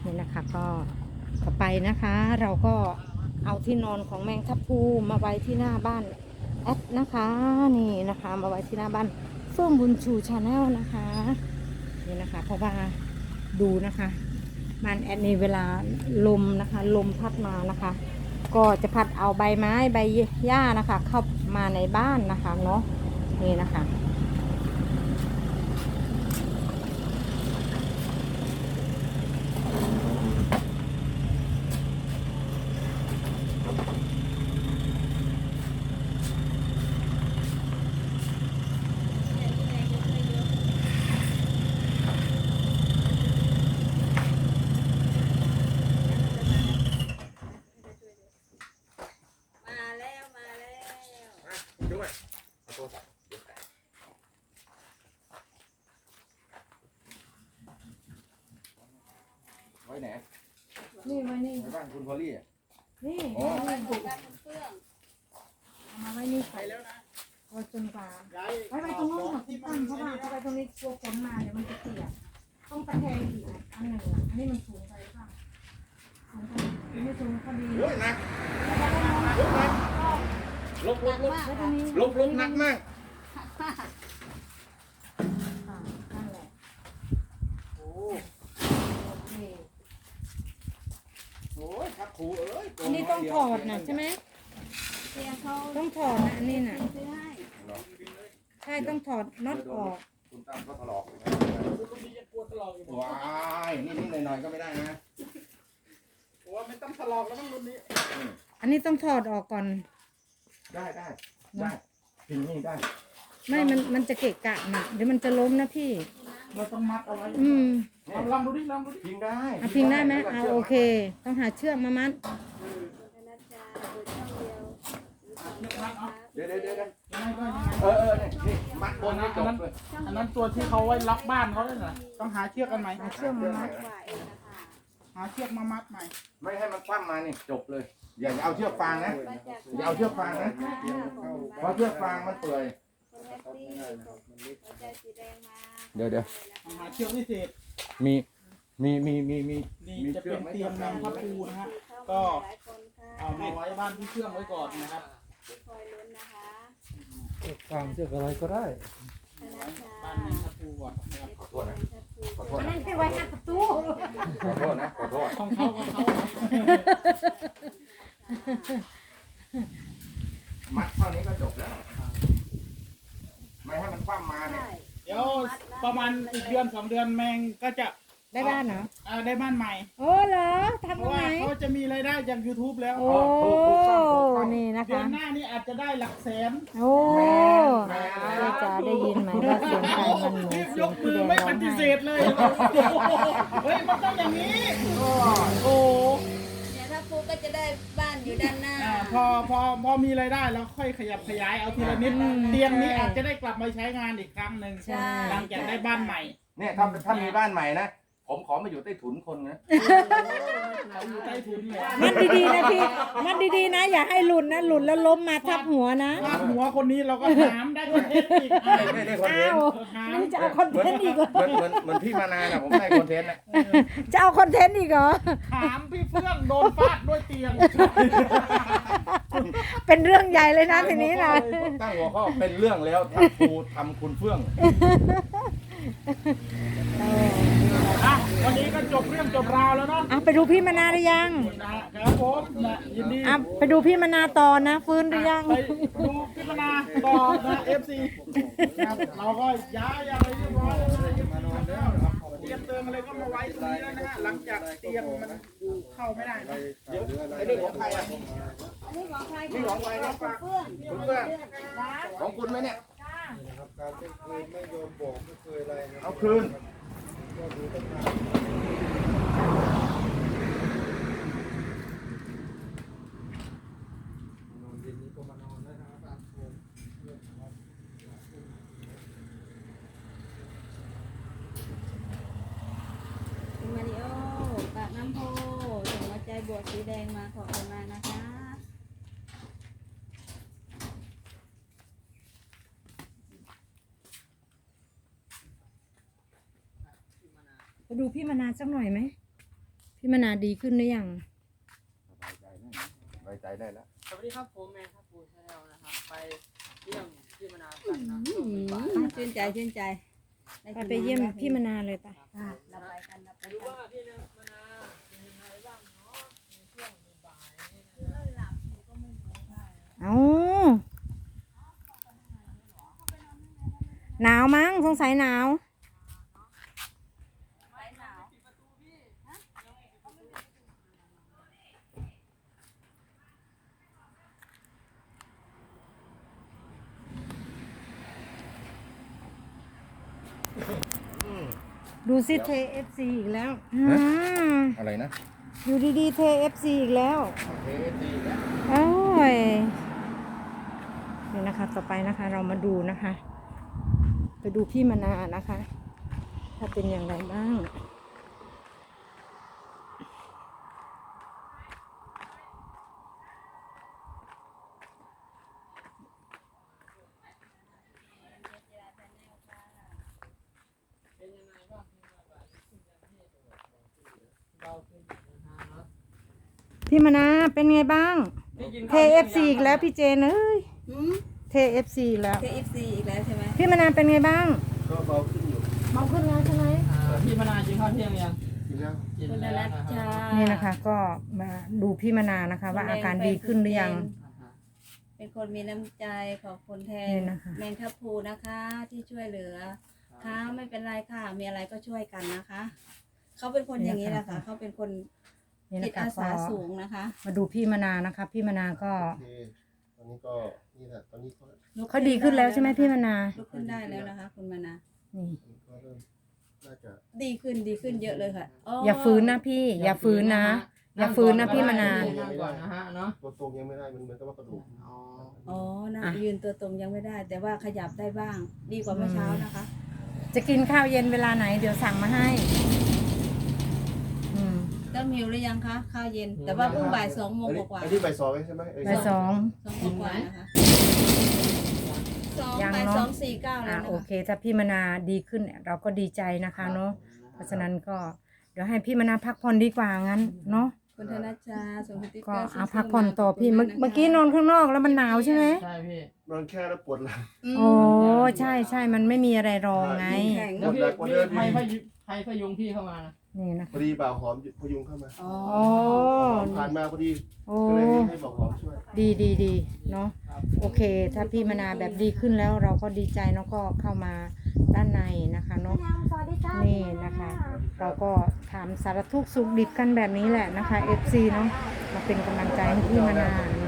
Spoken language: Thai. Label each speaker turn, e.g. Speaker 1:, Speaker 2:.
Speaker 1: นี่นะคะก็ต่อไปนะคะ เราก็เอาที่นอนของแมงทับพลูมาไว้ที่หน้าบ้านแอดนะคะนี่นะคะมาไว้ที่หน้าบ้านเฟื่องบุญชูชาแนลนะคะนี่นะคะเพราะว่าดูนะคะบ้านแอดนี่เวลาลมนะคะลมพัดมานะคะ ก็จะพัดเอาใบไม้ใบหญ้านะคะเข้ามาในบ้านนะคะเนาะนี่นะคะ
Speaker 2: ด้วยไว้ไหน
Speaker 1: นี่ไว้นี่
Speaker 2: ในบ้านคุณพอลลี่อ่ะ
Speaker 1: นี่
Speaker 2: อ๋อ
Speaker 1: เอามาไว้นี่ไปแล้วนะไว้จนกว่าไว้ตรงนู้นค่ะที่ตั้งเพราะว่าเอาไปตรงนี้กลัวฝนมาเดี๋ยวมันจะเปียกต้องตะแคงอีกอันหนึ่งอันนี้มันสูงไปค่ะสูงไปไม่สูงพอดี
Speaker 2: โอ้ยหนักลบ
Speaker 1: แล้วตรงนี้
Speaker 2: หนักมาก
Speaker 1: ค่ะนั่นแหละ
Speaker 2: โอ้
Speaker 1: โอเค
Speaker 2: โหครับครูเอ้ย
Speaker 1: อันนี้ต้องถอดนะใช่ไหมต้องถอดนะอันนี้น่ะใช่ต้องถอดน็อตออก
Speaker 2: คุณตั้มก็ถลอกว้ายนี่หน่อยๆก็ไม่ได้นะ
Speaker 3: ไม่ต้องทะเลาะแล้วมั้งรุ่นนี้
Speaker 1: อันนี้ต้องถอดออกก่อน
Speaker 2: ได้พิงนี่ได้
Speaker 1: ไม่มันจะเกะกะนะเดี๋ยวมันจะล้มนะพี่
Speaker 3: เราต้องมัดเอาไว้
Speaker 2: เนี่ย
Speaker 3: ลองดูดิ
Speaker 2: พิงได้
Speaker 1: เอาพิงได้ไหมเอาโอเค ต้องหาเชือกมามัด
Speaker 2: เดี๋ยว
Speaker 3: ยังไงก็ยังไง
Speaker 2: นี่มัดบนให้จบเลย
Speaker 3: อันนั้นตัวที่เขาไว้ล็อกบ้านเขาเลยนะต้องหาเชือกกันใหม่
Speaker 1: หาเชือกมามัด
Speaker 3: หาเชือกมามัดใหม่
Speaker 2: ไม่ให้มันคว่ำมานี่จบเลย อย่าเอาเชือกฟางนะอย่าเอาเชือกฟางนะเพราะเชือกฟางมันเปื่อยเดี๋ยว
Speaker 3: หาเชือกพิเศษ
Speaker 2: มี
Speaker 3: นี่จะเป็นเตียงแมงทับพลูนะฮะก็เอามาไว้บ้านที่เชื่องไว้ก่อนนะครับ
Speaker 4: ฟังเชือกอะไรก็ได้
Speaker 3: บ้านแมงทับพลูก่อนนะครับ
Speaker 2: ขอโทษนะขอโทษ
Speaker 1: อัน
Speaker 2: นะ
Speaker 1: นั้นไปไว้หน้าประตู
Speaker 2: ขอโทษนะขอโทษ
Speaker 3: ของเขา
Speaker 2: มัดเท่านี้ก็จบแล้ว ไม่ให้มันคว่ำมาเนี่ย
Speaker 3: เดี๋ยวประมาณอีกเดือน2 เดือนแมงก็จะ
Speaker 1: ได้บ้านเหรอ
Speaker 3: ได้บ้านใหม่
Speaker 1: โอ้เหรอ
Speaker 3: เพ
Speaker 1: ทำตร
Speaker 3: ราะ
Speaker 1: งไห
Speaker 3: ว่าน เขาจะมีรายได้จาก YouTube แล้ว
Speaker 1: โอ้นี่นะ
Speaker 3: เดือ
Speaker 1: คะ
Speaker 3: นหน้านี่อาจจะได้หลักแสน
Speaker 1: โอ้พี่จ๋าได้ยินไหมว่าเสียงใครมันเหมือนเสี
Speaker 3: ย
Speaker 1: ยง
Speaker 3: ก
Speaker 1: พี่
Speaker 3: มือ
Speaker 1: แดง
Speaker 3: ไม่
Speaker 1: ร้อ
Speaker 3: ป
Speaker 1: ง
Speaker 3: ฏิเส
Speaker 1: ไห้
Speaker 3: ธเลยเฮ้ยมันต้องอย่างนี้โอ้
Speaker 5: เดี๋ยวถ้าฟูก็จะได้บ้านอยู่ด้านหน้า
Speaker 3: พอมีรายได้แล้วค่อยขยับขยายเอาทีละนิดเตียงนี้อาจจะได้กลับมาใช้งานอีกครั้งหนึ่ง
Speaker 1: ใช่
Speaker 3: หลังจากได้บ้านใหม่
Speaker 2: เนี่ยถ้ามีบ้านใหม่นะ ผมขอมาอยู่ใต้ถุนคนนะ
Speaker 3: เขาอยู่ใต้ถุนเลย
Speaker 1: มัดดีๆนะพี่ มัดดีๆนะ อย่าให้หลุดนะ หลุดแล้วล้มมาทับหัวนะ
Speaker 3: ภาพหัวคนนี้เราก็ถามได้คอนเทนต์อีก
Speaker 2: ไม่ได้คอนเท
Speaker 1: อ้าน ว
Speaker 2: ต์
Speaker 1: นี่จะเอาคอนเทนต์อีกเหรอ
Speaker 2: เหมือนพี่มานาน่ะผมได้คอนเทนต์นะ
Speaker 1: จะเอาคอนเทนต์อีกเหรอ
Speaker 3: ถามพี่เฟื่องโดนฟาดด้วยเตียง
Speaker 1: เป็นเรื่องใหญ่เลยนะทีนี้นะ
Speaker 2: ตั้งหัวข้อเป็นเรื่องแล้วทำคุณเฟื่อง
Speaker 3: อ่ะวันนี้ก็จบเรื่องจบราวแล้วเนาะ
Speaker 1: อ่ะไปดูพี่มนาหรือยัง
Speaker 3: ครับผมนะยินดี
Speaker 1: อ่ะไปดูพี่มนาต่อนะ ฟื้นหรือยัง
Speaker 3: ไปดูพิจารณาต่อนะ FC ครับเราก็ย้ายอะไรเรียบร้อยแล้วนะเตรียมเติมอะไรก็มาไว้ตรงนี้แล้วนะฮะหลังจากเตียงมันเข้าไม่ได้นะ
Speaker 2: ไอ้นี่ของใครอ่ะ
Speaker 5: นี่ของใคร
Speaker 2: นี่ของใครนะ
Speaker 5: เพื่อน
Speaker 2: คุณเฟื่องของคุณไหมเนี่ย
Speaker 4: นะครับการเต้นเคยไม่ยอมบอกไม่เคยอะไรนะ
Speaker 2: เอาคืน
Speaker 4: ก็ดูตั้งนานนอนเย็นนี้ก็มานอนได้นะครับตามโคมเรื่องนะครับ
Speaker 5: คุณมาริโอปากน้ำโพส่งหัวใจบวกสีแดงมาขอบคุณมากนะคะ
Speaker 1: ไปดูพี่มนาสักหน่อยไหม พี่พี่มนาดีขึ้นหรือยัง
Speaker 2: สบายใจได้แล้ว
Speaker 4: สวัสดีครับผมแมนครับปูชาแนลนะครับ ไปเยี่ยมที่มนากันนะ
Speaker 5: ชื่นใจชื่นใจด้
Speaker 1: ไปเยี่ยมพี่มนาเลยไป
Speaker 5: ค่ะเราไปกันเราไป
Speaker 4: รู้
Speaker 5: กัน
Speaker 4: ว่าที่มนาเป็นยังไงบ้างเนาะในช่วงบ่ายนี่นะ
Speaker 1: เอาหนาวมั้งสงสัยหนาว ดูสิเท FC อีกแล้วม
Speaker 2: อะไรนะ
Speaker 1: อยู่ดีๆเท FC อีกแล้ว
Speaker 2: เทดีแล้ว
Speaker 1: โอ้ยนี่นะคะ ต่อไปนะคะ เรามาดูนะคะ ไปดูพี่มนานะคะ ถ้าเป็นอย่างไรบ้าง พี่มนาเป็นไงบ้าง เท FC อีกแล้วพี่เจนเอ้ย เท FC อีกแล้ว
Speaker 5: KFC อีกแล้วใช่ไหม
Speaker 1: พี่มนาเป็นไงบ้าง
Speaker 2: ก็เบาขึ้นอยู่
Speaker 1: เบาขึ้นแล้วใช่ไหม
Speaker 4: ที่มนากินข้าวเที่ยงยัง
Speaker 2: กินแล้ว
Speaker 4: กิน
Speaker 5: คุณ
Speaker 4: แล้ว
Speaker 5: รัต
Speaker 4: นะค
Speaker 5: ชา
Speaker 4: รับ
Speaker 1: นี่นะคะ ก็มาดูพี่มนานะคะ ว่าอาการดีขึ้นหรือยัง
Speaker 5: เป็นคนมีน้ำใจขอบคุณแท
Speaker 1: นี่
Speaker 5: น
Speaker 1: นะคะ
Speaker 5: แมงทับพลูนะคะ ที่ช่วยเหลือค่ะไม่เป็นไรค่ะ มีอะไรก็ช่วยกันนะคะ เขาเป็นคนอย่างนี้แหละค่ะ เขาเป็นคน
Speaker 1: นี่
Speaker 5: จิ
Speaker 1: นะ
Speaker 5: ต
Speaker 1: คะ
Speaker 5: อา
Speaker 1: ก็
Speaker 5: สาสูงนะคะ
Speaker 1: มาดูพี่มนานะคะ พี่มนาก็
Speaker 2: โอเคตอนนี้ก็นี่แหละตอนนี้ก็
Speaker 1: เขาดีขึ้นแล้วใช่ไหมพี่มนา
Speaker 5: ลุกขึ้นได้แล้วนะคะ คุณมานา
Speaker 1: นี่
Speaker 2: ก็เริ่มน่าจะ
Speaker 5: ดีขึ้นเยอะเลยค่ะ
Speaker 1: อย่าฝืนนะพี่ อย่าฝืนนะ อย่าฝืนนะพี่มนา
Speaker 4: นั่งก่อนนะฮะเนาะ
Speaker 2: ตัวตรงยังไม่ได้มันเหมือนกับว่ากระดูก
Speaker 4: อ๋อ
Speaker 5: อ๋อนะ
Speaker 1: อ่ะ
Speaker 5: ยืนตัวตรงยังไม่ได้ แต่ว่าขยับได้บ้าง ดีกว่าเมื่อเช้านะคะ
Speaker 1: จะกินข้าวเย็นเวลาไหน เดี๋ยวสั่งมาให้อืม
Speaker 5: เริ่มหิวหรือยังคะข้าวเย็น แต่ว่าเพิ่งบ่าย2 โมงกว่า
Speaker 2: อันนี้บ่ายสองใช่ไหม
Speaker 1: บ่ายสอง
Speaker 5: 2 โมงกว่านะคะ
Speaker 1: ยัง
Speaker 5: บ่าย
Speaker 1: เนอะ
Speaker 5: 2:49แล้วนะ
Speaker 1: โอ
Speaker 5: คะ
Speaker 1: เค ถ้าพี่มนาดีขึ้นเนี่ยเราก็ดีใจนะคะเนาะ เพราะฉะนั้นก็เดี๋ยวให้พี่มนาพักผ่อนดีกว่างั้นเนาะ
Speaker 5: คุณธนชชาส่งสติ๊กเก
Speaker 1: ก็
Speaker 5: อร์
Speaker 1: เอาพักผ่อนต่อพี่เมื่อกี้นอนข้างนอกแล้วมันหนาวใช่ไหม
Speaker 4: ใช่พี่
Speaker 2: นอนแค่แล้วปวดหลัง
Speaker 1: โอ้ใช่ใช่มันไม่มีอะไรรองไง
Speaker 5: แข็ง
Speaker 4: แล้วพี่ใครพยุงพี่เข้ามานะ
Speaker 1: นี่นะ
Speaker 2: พ
Speaker 1: คะ
Speaker 2: อดีบ่าวหอมพยุงเข้ามา
Speaker 5: อ๋อ
Speaker 1: โอ้
Speaker 2: ผ่านมาพอดี
Speaker 1: โอ้
Speaker 2: ก็เลยให้บอกหอมช่วย
Speaker 1: ดีเนาะโอเค ถ้าพี่มนาแบบดีขึ้นแล้วเราก็ดีใจเนาะก็เข้ามาด้านในนะคะเนาะนี่นะคะ เราก็ถามสารทุกข์สุขดิบกันแบบนี้แหละนะคะ FC เนาะมาเป็นกำลังใจให้พี่มนาเนาะ